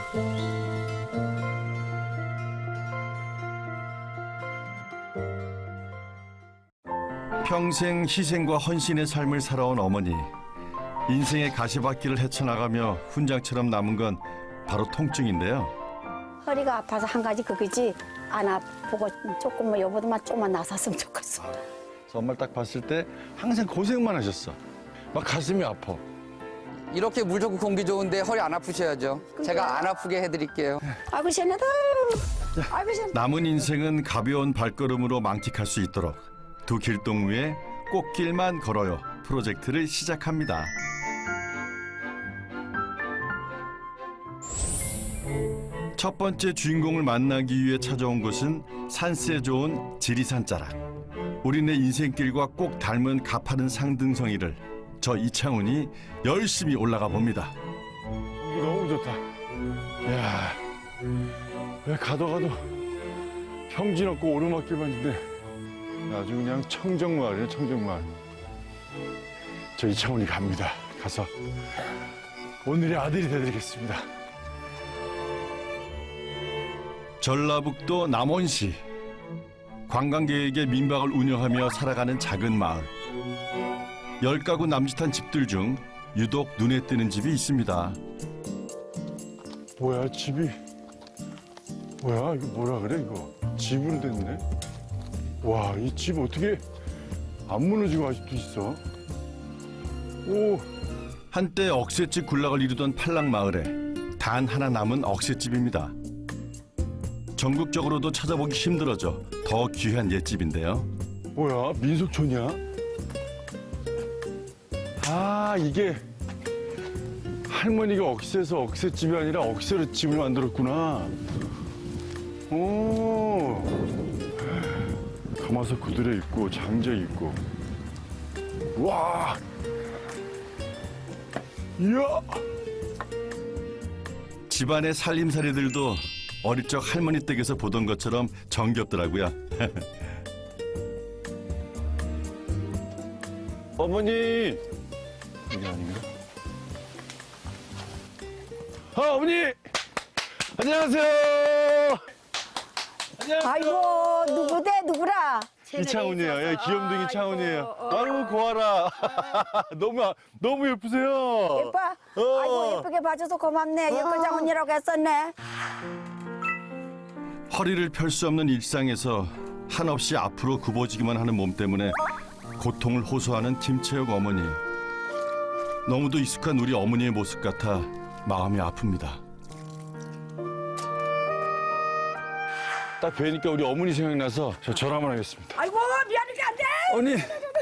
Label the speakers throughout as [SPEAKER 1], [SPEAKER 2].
[SPEAKER 1] 평생 희생과 헌신의 삶을 살아온 어머니. 인생의 가시밭길을 헤쳐나가며 훈장처럼 남은 건 바로 통증인데요.
[SPEAKER 2] 허리가 아파서 한 가지 그거지 안 아프고 조금 뭐 여보도만 조금만 나섰으면 좋겠어.
[SPEAKER 1] 엄마를 딱 봤을 때 항상 고생만 하셨어. 막 가슴이 아파.
[SPEAKER 3] 이렇게 물 좋고 공기 좋은데 허리 안 아프셔야죠. 제가 안 아프게 해드릴게요.
[SPEAKER 2] 아이고 시원하다. 아이고 시원하다.
[SPEAKER 1] 남은 인생은 가벼운 발걸음으로 만끽할 수 있도록 두 길동무의 꽃길만 걸어요 프로젝트를 시작합니다. 첫 번째 주인공을 만나기 위해 찾아온 곳은 산세 좋은 지리산 자락. 우리네 인생길과 꼭 닮은 가파른 상등성이를 저 이창훈이 열심히 올라가 봅니다.
[SPEAKER 4] 이게 너무 좋다. 이야, 왜 가도 평지 없고 오르막길만 있는데 아주 그냥 청정마을이에요, 청정마을. 저 이창훈이 갑니다. 가서 오늘의 아들이 되드리겠습니다.
[SPEAKER 1] 전라북도 남원시. 관광객에게 민박을 운영하며 살아가는 작은 마을. 10가구 남짓한 집들 중 유독 눈에 띄는 집이 있습니다.
[SPEAKER 4] 뭐야, 집이. 뭐야, 이거 뭐라 그래, 이거. 집으로 됐네. 와, 이 집 어떻게 안 무너지고 아직도 있어? 오,
[SPEAKER 1] 한때 억새집 군락을 이루던 팔랑마을에 단 하나 남은 억새집입니다. 전국적으로도 찾아보기 힘들어져 더 귀한 옛집인데요.
[SPEAKER 4] 뭐야, 민속촌이야? 아, 이게 할머니가 억새에서 억새집이 아니라 억새로 집을 만들었구나. 오, 가마솥 구들에 있고 장재 있고. 와, 이야.
[SPEAKER 1] 집안의 살림살이들도 어릴 적 할머니 댁에서 보던 것처럼 정겹더라고요.
[SPEAKER 4] 어머니. 이게 아닌가? 아, 어머니. 안녕하세요. 안녕하세요.
[SPEAKER 2] 아이고 누구대 누구라?
[SPEAKER 4] 이창훈이에요. 예, 귀염둥이 창훈이에요. 아유, 고아라. 너무 예쁘세요.
[SPEAKER 2] 예뻐? 아이고 예쁘게 봐줘서 고맙네. 예쁘장 언니라고 했었네.
[SPEAKER 1] 허리를 펼 수 없는 일상에서 한없이 앞으로 굽어지기만 하는 몸 때문에 고통을 호소하는 김채혁 어머니. 너무도 익숙한 우리 어머니의 모습 같아 마음이 아픕니다.
[SPEAKER 4] 딱 뵈니까 우리 어머니 생각나서 저 전화 한번 하겠습니다.
[SPEAKER 2] 아이고 미안하게 안 돼.
[SPEAKER 4] 어머니.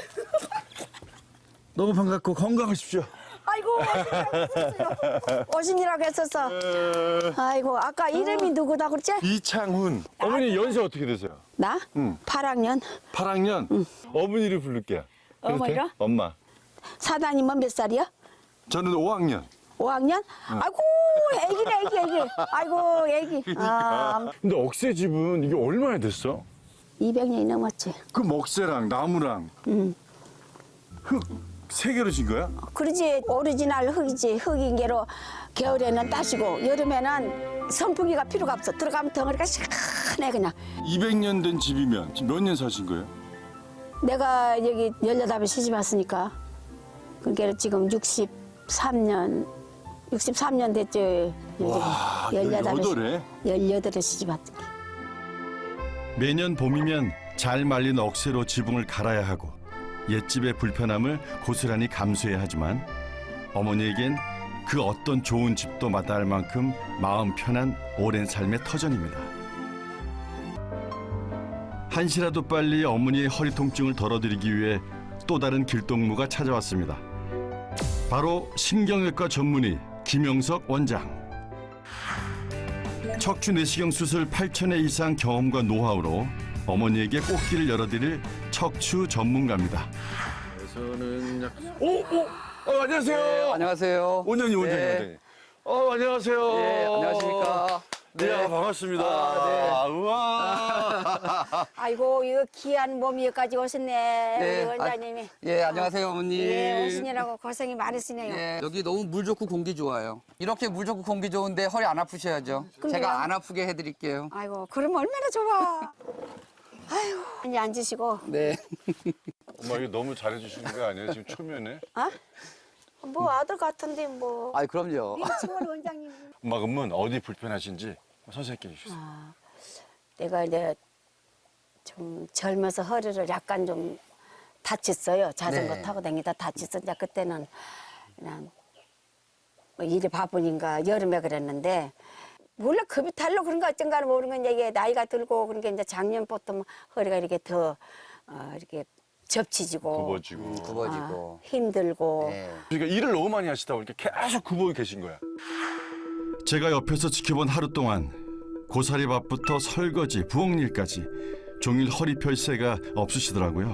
[SPEAKER 4] 너무 반갑고 건강하십시오.
[SPEAKER 2] 아이고 오신이라고 했었어. 아이고 아까 이름이 누구다 그랬지?
[SPEAKER 4] 이창훈. 어머니 연세 어떻게 되세요?
[SPEAKER 2] 나?
[SPEAKER 4] 응.
[SPEAKER 2] 8학년.
[SPEAKER 4] 8학년? 어머니를 부를게요. 그래도 돼?
[SPEAKER 2] 어머니가?
[SPEAKER 4] 엄마.
[SPEAKER 2] 사단이면 몇 살이야?
[SPEAKER 4] 저는 5학년.
[SPEAKER 2] 5학년? 아이고 애기네 애기. 아이고 애기. 아,
[SPEAKER 4] 근데 억새집은 이게 얼마나 됐어?
[SPEAKER 2] 200년이 넘었지.
[SPEAKER 4] 그 먹새랑 나무랑 흙 세 개로 진 거야?
[SPEAKER 2] 그러지 오리지널 흙이지. 흙인 게로 겨울에는 따시고 여름에는 선풍기가 필요가 없어. 들어가면 덩어리가 시원해 그냥.
[SPEAKER 4] 200년 된 집이면 지금 몇 년 사신 거예요?
[SPEAKER 2] 내가 여기 18에 시집 왔으니까 그게 지금 63년 됐죠.
[SPEAKER 4] 와,
[SPEAKER 2] 18에
[SPEAKER 4] 18에?
[SPEAKER 2] 18에 시집 왔던 게.
[SPEAKER 1] 매년 봄이면 잘 말린 억새로 지붕을 갈아야 하고 옛집의 불편함을 고스란히 감수해야 하지만 어머니에겐 그 어떤 좋은 집도 마다할 만큼 마음 편한 오랜 삶의 터전입니다. 한시라도 빨리 어머니의 허리 통증을 덜어드리기 위해 또 다른 길동무가 찾아왔습니다. 바로 신경외과 전문의 김영석 원장. 척추 내시경 수술 8,000회 이상 경험과 노하우로 어머니에게 꽃길을 열어드릴 척추 전문가입니다.
[SPEAKER 4] 저는 안녕하세요.
[SPEAKER 3] 네, 안녕하세요.
[SPEAKER 4] 원장님, 원장님.
[SPEAKER 3] 네.
[SPEAKER 4] 안녕하세요.
[SPEAKER 3] 네, 안녕하십니까.
[SPEAKER 4] 네, 반갑습니다. 우와.
[SPEAKER 2] 아이고 이거 귀한 몸 여기까지 오셨네.
[SPEAKER 3] 네.
[SPEAKER 2] 우리 원장님이.
[SPEAKER 3] 예, 안녕하세요, 어머니.
[SPEAKER 2] 예, 오시느라고 고생이 많으시네요.
[SPEAKER 3] 예, 여기 너무 물 좋고 공기 좋아요. 이렇게 물 좋고 공기 좋은데 허리 안 아프셔야죠.
[SPEAKER 2] 그럼요.
[SPEAKER 3] 제가 안 아프게 해드릴게요.
[SPEAKER 2] 아이고 그럼 얼마나 좋아. 아이고 이제 앉으시고.
[SPEAKER 3] 네.
[SPEAKER 4] 엄마 이거 너무 잘해주시는 거 아니에요? 지금 초면에?
[SPEAKER 2] 아? 뭐 아들 같은데 뭐.
[SPEAKER 3] 아이, 그럼요.
[SPEAKER 2] 친구 원장님.
[SPEAKER 4] 엄마 그러면 어디 불편하신지 선생님께 해주세요.
[SPEAKER 2] 내가 이제 좀 젊어서 허리를 약간 좀 다쳤어요. 자전거
[SPEAKER 3] 네.
[SPEAKER 2] 타고 다니다 다쳤어. 이제 그때는 그냥 뭐 일이 바쁘니까 여름에 그랬는데 몰라 급이 탈로 그런 거 어쩐가는 모르는 이게 나이가 들고 그러니까 이제 작년부터 허리가 이렇게 더 이렇게 접치지고
[SPEAKER 4] 굽어지고.
[SPEAKER 3] 굽어지고.
[SPEAKER 2] 힘들고
[SPEAKER 3] 네.
[SPEAKER 4] 그러니까 일을 너무 많이 하시다 보니까 계속 굽어 계신 거야.
[SPEAKER 1] 제가 옆에서 지켜본 하루 동안 고사리밥부터 설거지, 부엌일까지 종일 허리 펼 새가 없으시더라고요.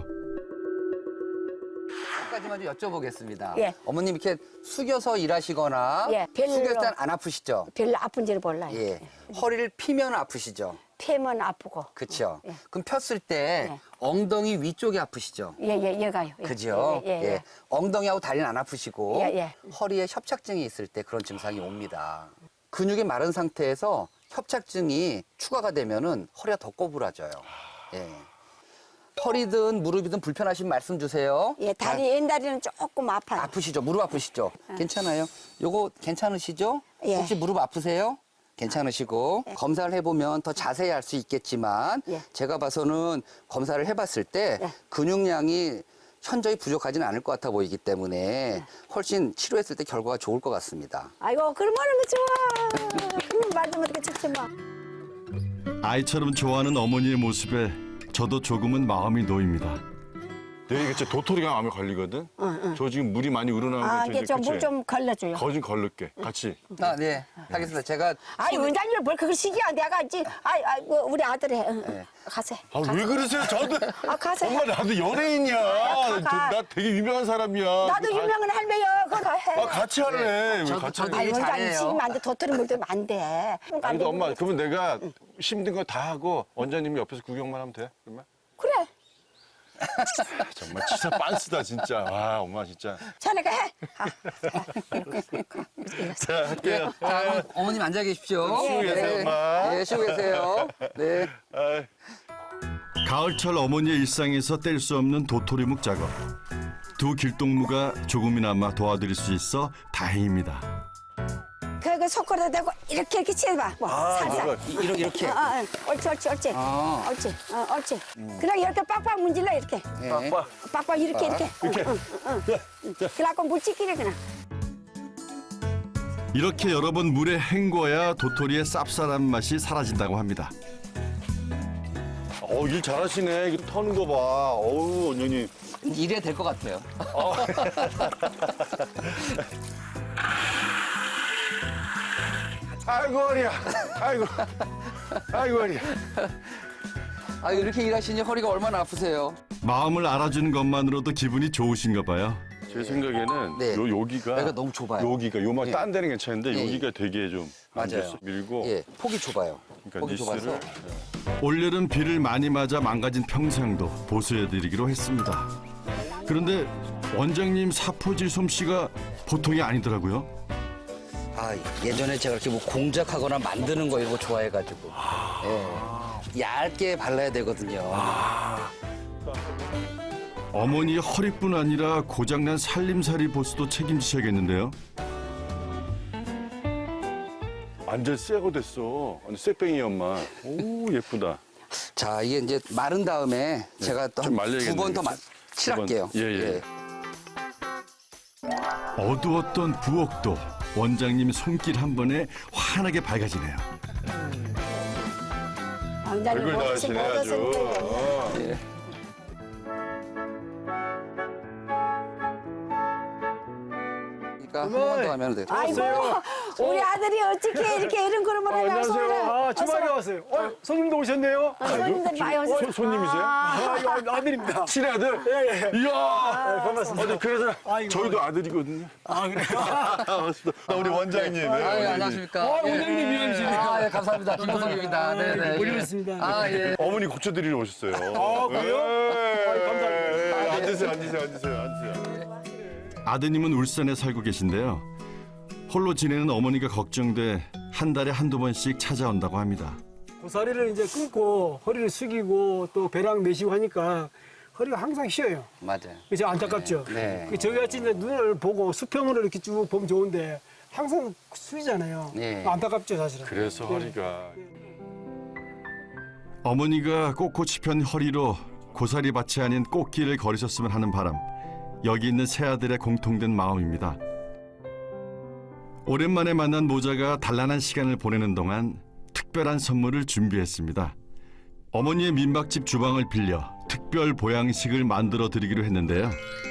[SPEAKER 3] 한 가지만 좀 여쭤보겠습니다.
[SPEAKER 2] 예.
[SPEAKER 3] 어머님 이렇게 숙여서 일하시거나
[SPEAKER 2] 예, 별로.
[SPEAKER 3] 숙였을 땐 안 아프시죠?
[SPEAKER 2] 별로 아픈지를 몰라요.
[SPEAKER 3] 예. 허리를 피면 아프시죠?
[SPEAKER 2] 폐면 아프고.
[SPEAKER 3] 그렇죠.
[SPEAKER 2] 예.
[SPEAKER 3] 그럼 폈을 때
[SPEAKER 2] 예.
[SPEAKER 3] 엉덩이 위쪽이 아프시죠?
[SPEAKER 2] 얘가요. 예.
[SPEAKER 3] 그죠?
[SPEAKER 2] 예.
[SPEAKER 3] 엉덩이하고 다리는 안 아프시고
[SPEAKER 2] 예.
[SPEAKER 3] 허리에 협착증이 있을 때 그런 증상이 옵니다. 근육이 마른 상태에서 협착증이 추가가 되면은 허리가 더 꼬부라져요. 예. 허리든 무릎이든 불편하신 말씀 주세요.
[SPEAKER 2] 예, 다리 옛날에는 조금 아파요.
[SPEAKER 3] 아프시죠? 무릎 아프시죠? 괜찮아요? 요거 괜찮으시죠?
[SPEAKER 2] 예.
[SPEAKER 3] 혹시 무릎 아프세요? 괜찮으시고 검사를 해보면 더 자세히 알 수 있겠지만
[SPEAKER 2] 예.
[SPEAKER 3] 제가 봐서는 검사를 해봤을 때
[SPEAKER 2] 예.
[SPEAKER 3] 근육량이 현저히 부족하지는 않을 것 같아 보이기 때문에 훨씬 치료했을 때 결과가 좋을 것 같습니다.
[SPEAKER 2] 아이고, 그러면 좋아. 그러면 말도 못하게 좋지 뭐.
[SPEAKER 1] 아이처럼 좋아하는 어머니의 모습에 저도 조금은 마음이 놓입니다.
[SPEAKER 4] 내가 이게 진짜 도토리가 마음에 걸리거든? 저 지금 물이 많이 우러나오는
[SPEAKER 2] 아,
[SPEAKER 4] 게
[SPEAKER 2] 이게 좀 물 좀 걸러줘요.
[SPEAKER 4] 거진 걸를게 같이.
[SPEAKER 3] 아, 네. 하겠습니다. 제가
[SPEAKER 2] 아이, 원장님을 뭘 그걸 시기야. 내가 있지. 우리 아들이 해.
[SPEAKER 3] 네.
[SPEAKER 2] 가세.
[SPEAKER 4] 아 왜 그러세요? 저도
[SPEAKER 2] 가세.
[SPEAKER 4] 엄마 나도 연예인이야.
[SPEAKER 2] 가.
[SPEAKER 4] 나 되게 유명한 사람이야.
[SPEAKER 2] 나도 유명한 할매야. 그거 해.
[SPEAKER 4] 아 같이 할래. 왜
[SPEAKER 3] 저도-
[SPEAKER 4] 같이
[SPEAKER 3] 저도
[SPEAKER 4] 할래?
[SPEAKER 2] 아이,
[SPEAKER 3] 되게
[SPEAKER 2] 원장님
[SPEAKER 3] 잘해요.
[SPEAKER 2] 시기면 안 돼. 도토리 물들면 안 돼.
[SPEAKER 4] 아니 근데 엄마 그러면 내가 힘든 거 다 하고 원장님이 옆에서 구경만 하면 돼? 그러면?
[SPEAKER 2] 그래.
[SPEAKER 4] 정말 진짜 빤스다 진짜. 와 엄마 진짜.
[SPEAKER 2] 자네가 해.
[SPEAKER 4] 자
[SPEAKER 3] 예.
[SPEAKER 4] 할게요.
[SPEAKER 3] 자, 그럼 어머님 앉아 계십시오.
[SPEAKER 4] 쉬고 계세요, 엄마.
[SPEAKER 3] 네, 쉬고 계세요. 네.
[SPEAKER 4] 아이.
[SPEAKER 1] 가을철 어머니의 일상에서 뗄 수 없는 도토리묵 작업. 두 길동무가 조금이나마 도와드릴 수 있어 다행입니다.
[SPEAKER 2] 그거 손가락 대고 이렇게 치해봐. 뭐 살살.
[SPEAKER 4] 이거
[SPEAKER 3] 이렇게.
[SPEAKER 2] 옳지. 옳지.
[SPEAKER 3] 아.
[SPEAKER 2] 옳지. 그냥 이렇게 빡빡 문질러 이렇게.
[SPEAKER 3] 네.
[SPEAKER 4] 빡빡.
[SPEAKER 2] 빡빡 이렇게.
[SPEAKER 4] 이렇게.
[SPEAKER 2] 그래갖고 물찍기래 그냥.
[SPEAKER 1] 이렇게 여러 번 물에 헹궈야 도토리의 쌉쌀한 맛이 사라진다고 합니다.
[SPEAKER 4] 일 잘하시네. 이거 터는 거 봐. 어우 언니.
[SPEAKER 3] 이래야 될 것 같아요.
[SPEAKER 4] 아이고 허리야. 아이고 허리야.
[SPEAKER 3] 아, 이렇게 일하시니 허리가 얼마나 아프세요?
[SPEAKER 1] 마음을 알아주는 것만으로도 기분이 좋으신가 봐요.
[SPEAKER 4] 제 생각에는
[SPEAKER 3] 네.
[SPEAKER 4] 여기가
[SPEAKER 3] 여기가 너무 좁아요.
[SPEAKER 4] 여기가 요만
[SPEAKER 3] 예.
[SPEAKER 4] 딴 데는 괜찮은데
[SPEAKER 3] 예,
[SPEAKER 4] 여기가 되게 좀
[SPEAKER 3] 맞아요.
[SPEAKER 4] 앉아서 밀고
[SPEAKER 3] 예, 폭이 좁아요.
[SPEAKER 4] 그러니까
[SPEAKER 3] 폭이 좁아서.
[SPEAKER 4] 니스를
[SPEAKER 1] 올여름 비를 많이 맞아 망가진 평상도 보수해드리기로 했습니다. 그런데 원장님 사포질 솜씨가 보통이 아니더라고요.
[SPEAKER 3] 아, 예전에 제가 이렇게 뭐 공작하거나 만드는 거 이런 거 좋아해가지고. 예. 얇게 발라야 되거든요.
[SPEAKER 1] 어머니 허리뿐 아니라 고장난 살림살이 보수도 책임지셔야겠는데요.
[SPEAKER 4] 완전 쇠고 됐어. 완전 쇠뱅이 엄마. 오 예쁘다.
[SPEAKER 3] 자, 이게 이제 마른 다음에 제가 또
[SPEAKER 4] 좀
[SPEAKER 3] 한
[SPEAKER 4] 말려야겠네,
[SPEAKER 3] 두 번 더
[SPEAKER 4] 이거.
[SPEAKER 3] 칠할게요.
[SPEAKER 4] 예.
[SPEAKER 1] 어두웠던 부엌도 원장님 손길 한 번에 환하게 밝아지네요.
[SPEAKER 2] 원장님
[SPEAKER 4] 얼굴
[SPEAKER 2] 멋진
[SPEAKER 4] 나으시네 아주.
[SPEAKER 2] 모습인데.
[SPEAKER 3] 예. 그러니까 한 번 더 하면 돼.
[SPEAKER 2] 아이고, 우리 아들이 어떻게 이렇게 이런 그림을 하면
[SPEAKER 5] 안녕하세요. 주말에 왔어요. 손님도 오셨네요.
[SPEAKER 2] 손님들 많이 오세요.
[SPEAKER 4] 손님이세요?
[SPEAKER 5] 이거 아들입니다.
[SPEAKER 4] 친아들?
[SPEAKER 5] 예.
[SPEAKER 4] 이야.
[SPEAKER 5] 반갑습니다.
[SPEAKER 4] 그래서
[SPEAKER 5] 아이고.
[SPEAKER 4] 저희도 아들이거든요.
[SPEAKER 5] 아, 그래요?
[SPEAKER 4] 나 우리 원장님. 네, 원장님.
[SPEAKER 3] 안녕하십니까.
[SPEAKER 5] 원장님 미안하시네요.
[SPEAKER 3] 예, 감사합니다. 김호성입니다. 네네.
[SPEAKER 5] 올리겠습니다.
[SPEAKER 3] 아, 예.
[SPEAKER 4] 어머니 고쳐드리러 오셨어요.
[SPEAKER 5] 아, 그래요? 감사합니다.
[SPEAKER 4] 앉으세요.
[SPEAKER 1] 아드님은 울산에 살고 계신데요. 홀로 지내는 어머니가 걱정돼 한 달에 한두 번씩 찾아온다고 합니다.
[SPEAKER 5] 고사리를 이제 끊고 허리를 숙이고 또 배랑 내쉬고 하니까 허리가 항상 쉬어요.
[SPEAKER 3] 맞아요.
[SPEAKER 5] 그죠? 안타깝죠?
[SPEAKER 3] 네.
[SPEAKER 5] 저희 같이 이제 눈을 보고 수평으로 이렇게 쭉 보면 좋은데 항상 숙이잖아요.
[SPEAKER 3] 네.
[SPEAKER 5] 안타깝죠, 사실은.
[SPEAKER 4] 그래서 허리가.
[SPEAKER 1] 어머니가 꼿꼿이 편 허리로 고사리밭이 아닌 꽃길을 걸으셨으면 하는 바람. 여기 있는 세 아들의 공통된 마음입니다. 오랜만에 만난 모자가 단란한 시간을 보내는 동안 특별한 선물을 준비했습니다. 어머니의 민박집 주방을 빌려 특별 보양식을 만들어 드리기로 했는데요.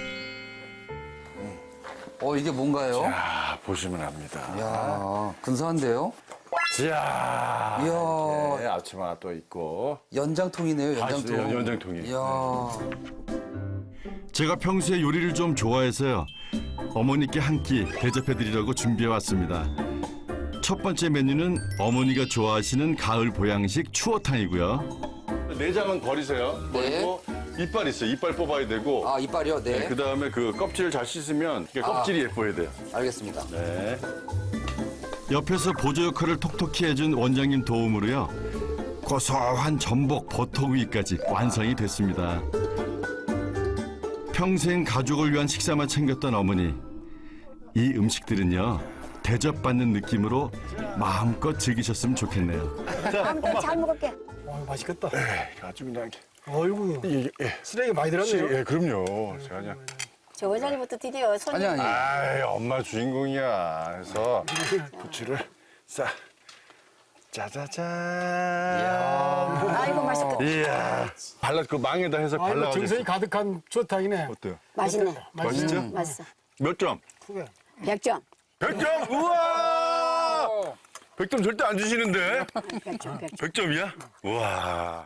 [SPEAKER 3] 이게 뭔가요?
[SPEAKER 4] 아, 보시면 압니다.
[SPEAKER 3] 이야, 근사한데요?
[SPEAKER 4] 자,
[SPEAKER 3] 이야.
[SPEAKER 4] 네, 앞치마가 또 있고.
[SPEAKER 3] 연장통이네요, 연장통.
[SPEAKER 4] 아, 연장통이.
[SPEAKER 3] 이야.
[SPEAKER 1] 제가 평소에 요리를 좀 좋아해서요. 어머니께 한 끼 대접해 드리려고 준비해 왔습니다. 첫 번째 메뉴는 어머니가 좋아하시는 가을 보양식 추어탕이고요.
[SPEAKER 4] 내장은 버리세요.
[SPEAKER 3] 네.
[SPEAKER 4] 버리고 이빨 있어요. 이빨 뽑아야 되고.
[SPEAKER 3] 아, 이빨이요? 네.
[SPEAKER 4] 그 다음에 그 껍질을 잘 씻으면 이게 껍질이 예뻐야 돼요.
[SPEAKER 3] 알겠습니다.
[SPEAKER 4] 네.
[SPEAKER 1] 옆에서 보조 역할을 톡톡히 해준 원장님 도움으로요. 고소한 전복 버터구이까지 완성이 됐습니다. 평생 가족을 위한 식사만 챙겼던 어머니. 이 음식들은요. 대접받는 느낌으로 마음껏 즐기셨으면 좋겠네요.
[SPEAKER 2] 아무튼 잘 먹을게.
[SPEAKER 5] 맛있겠다.
[SPEAKER 4] 아주 그냥.
[SPEAKER 5] 어이구, 쓰레기 많이 들었네요.
[SPEAKER 4] 예, 그럼요. 제가 그냥.
[SPEAKER 2] 저 원장님부터 드디어 손님.
[SPEAKER 3] 아니.
[SPEAKER 4] 아이, 엄마 주인공이야. 그래서 부추를 싹. 짜자잔.
[SPEAKER 2] 아이고, 맛있겠다.
[SPEAKER 4] 이야. 발라, 그 망에다 해서
[SPEAKER 5] 아이고,
[SPEAKER 4] 발라.
[SPEAKER 5] 정성이 가득한 추어탕이네.
[SPEAKER 4] 어때요?
[SPEAKER 2] 맛있네.
[SPEAKER 4] 맛있죠?
[SPEAKER 2] 맛있어.
[SPEAKER 4] 몇 점?
[SPEAKER 5] 크게.
[SPEAKER 2] 100점.
[SPEAKER 4] 100점? 우와! 100점 절대 안 주시는데?
[SPEAKER 2] 100점, 100점.
[SPEAKER 4] 100점이야? 우와.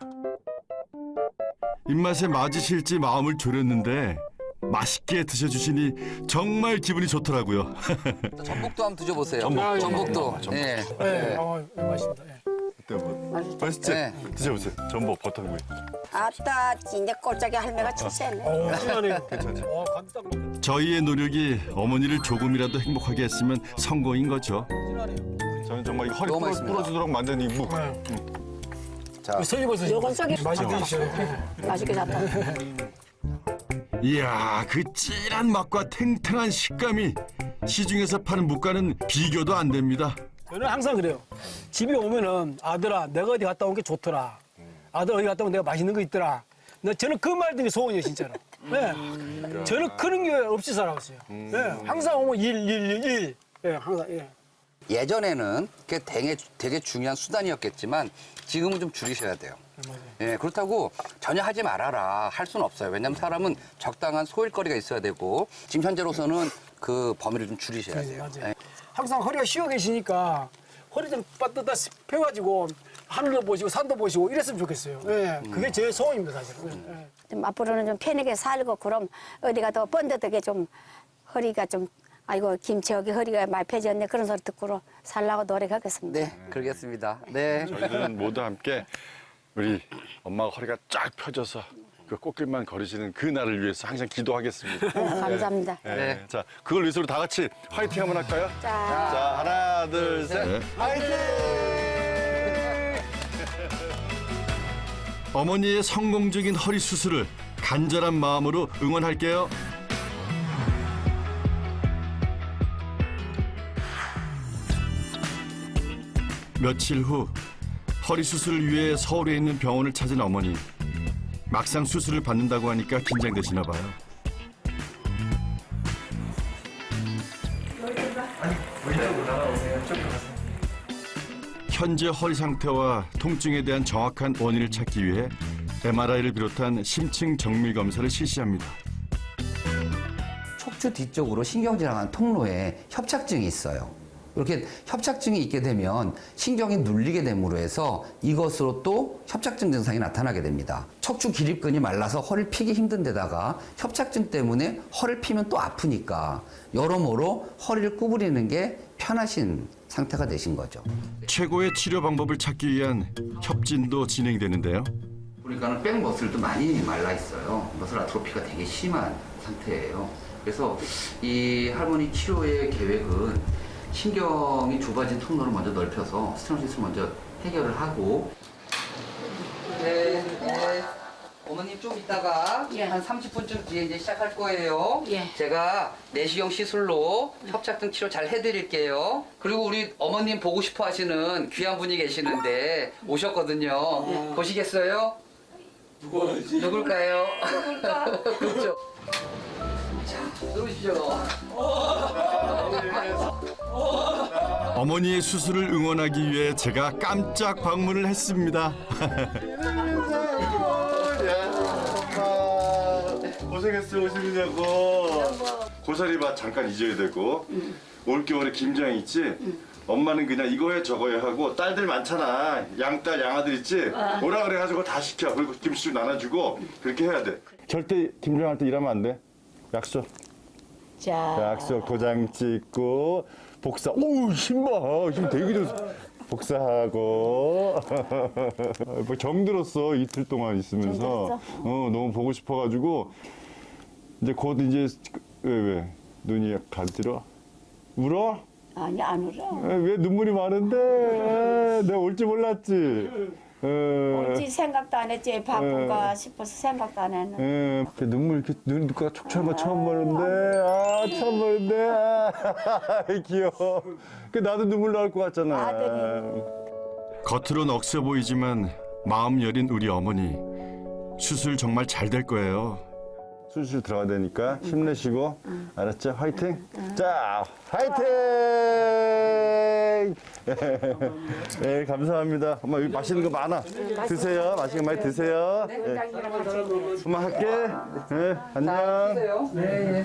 [SPEAKER 1] 입맛에 맞으실지 마음을 졸였는데 맛있게 드셔주시니 정말 기분이 좋더라고요.
[SPEAKER 3] 전복도 한번 드셔보세요.
[SPEAKER 5] 전복.
[SPEAKER 3] 전복도.
[SPEAKER 4] 전복.
[SPEAKER 3] 예.
[SPEAKER 5] 네, 맛있습니다. 예.
[SPEAKER 4] 어때요? 뭐?
[SPEAKER 2] 맛있다.
[SPEAKER 4] 맛있지?
[SPEAKER 3] 네.
[SPEAKER 4] 드셔보세요. 전복 버터구이.
[SPEAKER 2] 아따, 이제 꼴짝이 할매가 출세했네.
[SPEAKER 5] 신나네요. 괜찮죠? 간도 딱 먹겠다.
[SPEAKER 1] 저희의 노력이 어머니를 조금이라도 행복하게 했으면 성공인 거죠.
[SPEAKER 5] 신나네요.
[SPEAKER 4] 저는 정말 이 허리
[SPEAKER 3] 너무 맛있습니다.
[SPEAKER 4] 부러지도록 만든 이 묵.
[SPEAKER 3] 자,
[SPEAKER 5] 선임버섯.
[SPEAKER 2] 요건 썩이
[SPEAKER 5] 맛있게 드시죠.
[SPEAKER 2] 맛있게 잡다.
[SPEAKER 1] 이야, 그 찔한 맛과 탱탱한 식감이 시중에서 파는 묵과는 비교도 안 됩니다.
[SPEAKER 5] 저는 항상 그래요. 집에 오면은 아들아, 내가 어디 갔다 온 게 좋더라. 아들 어디 갔다 오면 내가 맛있는 거 있더라. 저는 그 말 들이 소원이에요, 진짜로. 네. 저는 그런 게 없이 살아왔어요. 네. 항상 오면 일. 네, 항상, 예.
[SPEAKER 3] 예전에는 그게 되게 중요한 수단이었겠지만 지금은 좀 줄이셔야 돼요. 예, 그렇다고 전혀 하지 말아라 할 수는 없어요. 왜냐하면 사람은 적당한 소일거리가 있어야 되고 지금 현재로서는 그 범위를 좀 줄이셔야 돼요.
[SPEAKER 5] 맞아요.
[SPEAKER 3] 예.
[SPEAKER 5] 항상 허리가 쉬어 계시니까 허리 좀 빠뜨다 펴가지고 하늘도 보시고 산도 보시고 이랬으면 좋겠어요. 예, 그게 제 소원입니다, 사실은. 예.
[SPEAKER 2] 좀 앞으로는 좀 편하게 살고 그럼 어디가 더 번듯하게 좀 허리가 좀 아이고 김치 여기 허리가 많이 펴졌네 그런 소리 듣고 살라고 노력하겠습니다.
[SPEAKER 3] 네, 그러겠습니다. 네.
[SPEAKER 4] 저희들은 모두 함께 우리 엄마가 허리가 쫙 펴져서 그 꽃길만 걸으시는 그 날을 위해서 항상 기도하겠습니다.
[SPEAKER 2] 감사합니다.
[SPEAKER 4] 네. 자, 그걸 위해서 우리 다 같이 화이팅 한번 할까요?
[SPEAKER 2] 자.
[SPEAKER 4] 자, 하나, 둘, 셋.
[SPEAKER 1] 네.
[SPEAKER 4] 화이팅!
[SPEAKER 1] 어머니의 성공적인 허리 수술을 간절한 마음으로 응원할게요. 며칠 후 허리 수술을 위해 서울에 있는 병원을 찾은 어머니. 막상 수술을 받는다고 하니까 긴장되시나 봐요. 현재 허리 상태와 통증에 대한 정확한 원인을 찾기 위해 MRI를 비롯한 심층 정밀 검사를 실시합니다.
[SPEAKER 3] 척추 뒤쪽으로 신경질환 통로에 협착증이 있어요. 이렇게 협착증이 있게 되면 신경이 눌리게 됨으로 해서 이것으로 또 협착증 증상이 나타나게 됩니다. 척추 기립근이 말라서 허리를 피기 힘든 데다가 협착증 때문에 허리를 피면 또 아프니까 여러모로 허리를 구부리는 게 편하신 상태가 되신 거죠.
[SPEAKER 1] 최고의 치료 방법을 찾기 위한 협진도 진행되는데요.
[SPEAKER 3] 보니까는 백머슬도 많이 말라 있어요. 머슬 아트로피가 되게 심한 상태예요. 그래서 이 할머니 치료의 계획은 신경이 좁아진 통로를 먼저 넓혀서 스테노시스를 먼저 해결을 하고. 네. 어머님 좀 이따가
[SPEAKER 2] 예.
[SPEAKER 3] 한 30분쯤 뒤에 이제 시작할 거예요.
[SPEAKER 2] 예.
[SPEAKER 3] 제가 내시경 시술로 협착증 치료 잘 해드릴게요. 그리고 우리 어머님 보고 싶어 하시는 귀한 분이 계시는데 오셨거든요. 보시겠어요? 누굴까요? 그렇죠. 자, 들어오시죠.
[SPEAKER 1] 어머니의 수술을 응원하기 위해 제가 깜짝 방문을 했습니다.
[SPEAKER 4] 고생했어 오시느냐고. 고사리밭 잠깐 잊어야 되고 올겨울에 김장 있지. 엄마는 그냥 이거 해 저거 해 하고 딸들 많잖아. 양딸 양아들 있지. 오라 그래가지고 다 시켜. 그리고 김치 나눠주고 그렇게 해야 돼. 절대 김장할 때 일하면 안 돼. 약속.
[SPEAKER 2] 자,
[SPEAKER 4] 약속 도장 찍고 복사. 오우 힘 되게 좋. 복사하고 뭐 정들었어 이틀 동안 있으면서. 너무 보고 싶어가지고 이제 곧 이제 왜 눈이 간지러? 울어?
[SPEAKER 2] 아니 안 울어.
[SPEAKER 4] 왜 눈물이 많은데? 내가 올지 몰랐지.
[SPEAKER 2] 올지 생각도 안 했지. 바쁜가 싶어서 생각도 안 했는데.
[SPEAKER 4] 눈물 이렇게 눈가 촉촉한 거 처음 보는데, 처음 보는데, 귀여워. 나도 눈물 나올 것 같잖아.
[SPEAKER 2] 아들이.
[SPEAKER 1] 겉으론 억세 보이지만 마음 여린 우리 어머니. 수술 정말 잘 될 거예요.
[SPEAKER 4] 수술 들어가야 되니까 힘내시고, 알았죠? 화이팅! 자, 화이팅! 네, 감사합니다. 엄마 여기 맛있는 거 많아. 드세요. 맛있는 거 많이 드세요. 네. 엄마 할게. 네, 안녕.
[SPEAKER 3] 네.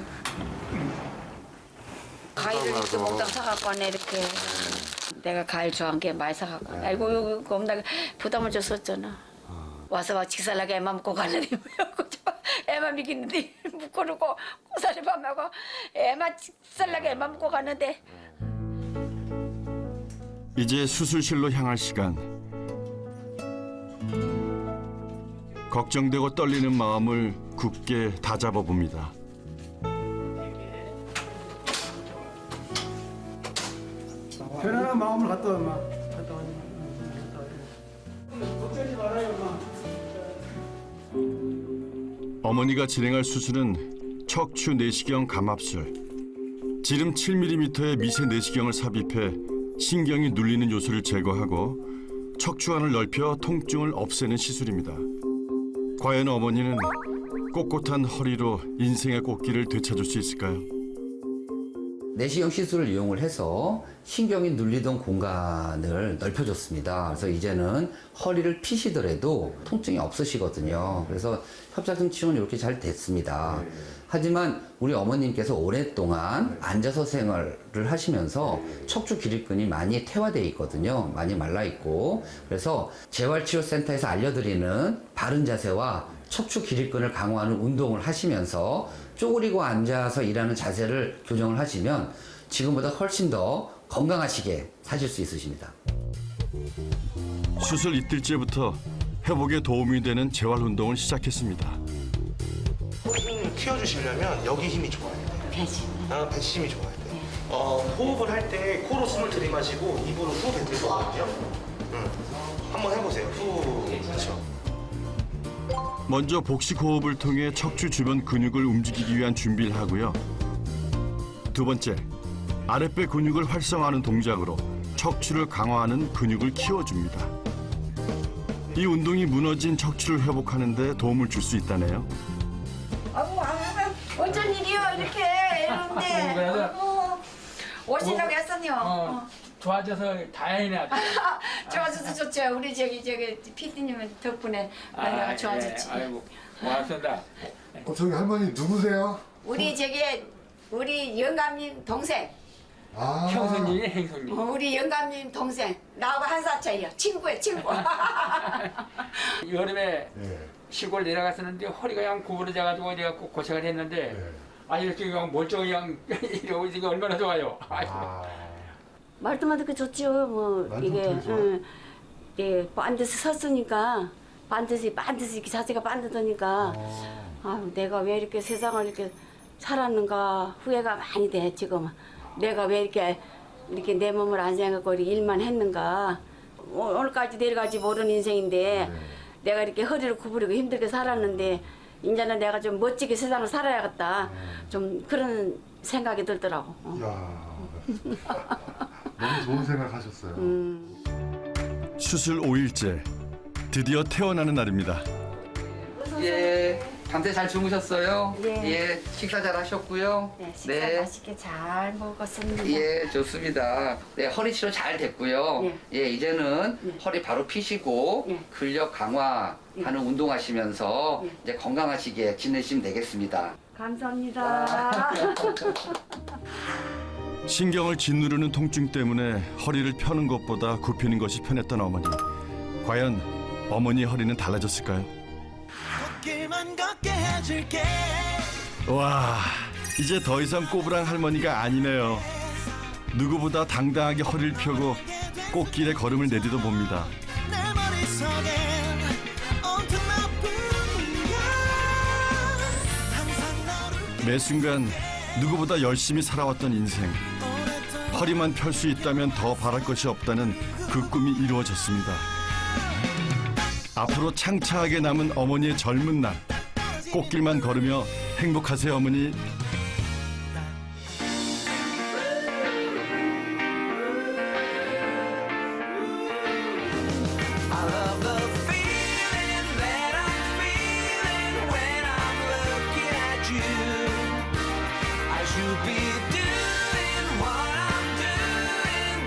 [SPEAKER 2] 과일을 이렇게 먹다가 사갖고 왔네 이렇게. 내가 과일 좋아하는 게 많이 사갖고 왔네. 아이고 여기 겁나게 부담을 줬었잖아. 와서 막 직살나게 애만 먹고 가려니 애만 미기는데 묶어놓고 고사리 밤하고 애만 직살나게 애만 먹고 갔는데.
[SPEAKER 1] 이제 수술실로 향할 시간. 걱정되고 떨리는 마음을 굳게 다잡아 봅니다.
[SPEAKER 5] 편안한 마음을 갖다 와, 엄마. 걱정하지 말아요, 엄마.
[SPEAKER 1] 어머니가 진행할 수술은 척추 내시경 감압술. 지름 7mm의 미세 내시경을 삽입해 신경이 눌리는 요소를 제거하고 척추안을 넓혀 통증을 없애는 시술입니다. 과연 어머니는 꼿꼿한 허리로 인생의 꽃길을 되찾을 수 있을까요?
[SPEAKER 3] 내시경 시술을 이용을 해서 신경이 눌리던 공간을 넓혀줬습니다. 그래서 이제는 허리를 피시더라도 통증이 없으시거든요. 그래서 협착증 치료는 이렇게 잘 됐습니다. 하지만 우리 어머님께서 오랫동안 앉아서 생활을 하시면서 척추 기립근이 많이 퇴화되어 있거든요. 많이 말라 있고. 그래서 재활치료센터에서 알려드리는 바른 자세와 척추 기립근을 강화하는 운동을 하시면서 쪼그리고 앉아서 일하는 자세를 교정을 하시면 지금보다 훨씬 더 건강하시게 사실 수 있으십니다.
[SPEAKER 1] 수술 이틀째부터 회복에 도움이 되는 재활 운동을 시작했습니다.
[SPEAKER 6] 힘을 키워주시려면 여기 힘이 좋아야 돼요.
[SPEAKER 2] 배지.
[SPEAKER 6] 배심이 좋아야 돼요. 호흡을 할 때 코로 숨을 들이마시고 입으로 후 뱉으시거든요. 한번 해보세요. 후. 그렇죠.
[SPEAKER 1] 먼저 복식 호흡을 통해 척추 주변 근육을 움직이기 위한 준비를 하고요. 두 번째, 아랫배 근육을 활성화하는 동작으로 척추를 강화하는 근육을 키워줍니다. 이 운동이 무너진 척추를 회복하는 데 도움을 줄 수 있다네요.
[SPEAKER 2] 어쩐 일이요 이렇게 이러는데. 오신다고 했었요.
[SPEAKER 7] 좋아져서 다행이네. 아주.
[SPEAKER 2] 좋아져서 좋죠. 우리 저기 피디님 덕분에 내가 좋아졌지.
[SPEAKER 7] 예, 아이고 고맙습니다.
[SPEAKER 8] 저기 할머니 누구세요?
[SPEAKER 2] 우리 저기 우리 영감님 동생.
[SPEAKER 7] 형수님이 행수님.
[SPEAKER 2] 우리 영감님 동생. 나하고 한 살 차이야. 친구야, 친구.
[SPEAKER 7] 여름에 시골 내려갔었는데 허리가 그냥 구부러져가지고 내가 꼭 고생을 했는데 이렇게 그냥 멀쩡히 그냥 이러고 있으니까 얼마나 좋아요.
[SPEAKER 2] 말도만 듣고 좋지요. 뭐 이게 예, 반드시 섰으니까 반드시 이렇게 자세가 반듯하니까 내가 왜 이렇게 세상을 이렇게 살았는가 후회가 많이 돼 지금. 내가 왜 이렇게 내 몸을 안 생각하고 이렇게 일만 했는가. 오늘까지 내일까지 모르는 인생인데 내가 이렇게 허리를 구부리고 힘들게 살았는데 이제는 내가 좀 멋지게 세상을 살아야겠다. 좀 그런 생각이 들더라고.
[SPEAKER 8] 너무 좋은 생각하셨어요.
[SPEAKER 1] 수술 5일째 드디어 태어나는 날입니다.
[SPEAKER 3] 예, 밤새 잘 주무셨어요?
[SPEAKER 2] 예.
[SPEAKER 3] 식사 잘 하셨고요.
[SPEAKER 2] 네, 식사 맛있게 잘 먹었습니다.
[SPEAKER 3] 예, 좋습니다. 네, 허리 치료 잘 됐고요. 예, 이제는 허리 바로 피시고 근력 강화하는 운동하시면서 이제 건강하시게 지내시면 되겠습니다.
[SPEAKER 2] 감사합니다.
[SPEAKER 1] 신경을 짓누르는 통증 때문에 허리를 펴는 것보다 굽히는 것이 편했던 어머니. 과연 어머니 허리는 달라졌을까요? 와, 이제 더 이상 꼬부랑 할머니가 아니네요. 누구보다 당당하게 허리를 펴고 꽃길에 걸음을 내디뎌 봅니다. 매 순간 누구보다 열심히 살아왔던 인생. 허리만 펼 수 있다면 더 바랄 것이 없다는 그 꿈이 이루어졌습니다. 앞으로 창차하게 남은 어머니의 젊은 날. 꽃길만 걸으며 행복하세요, 어머니.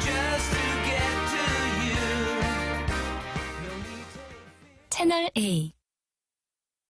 [SPEAKER 9] 채널 A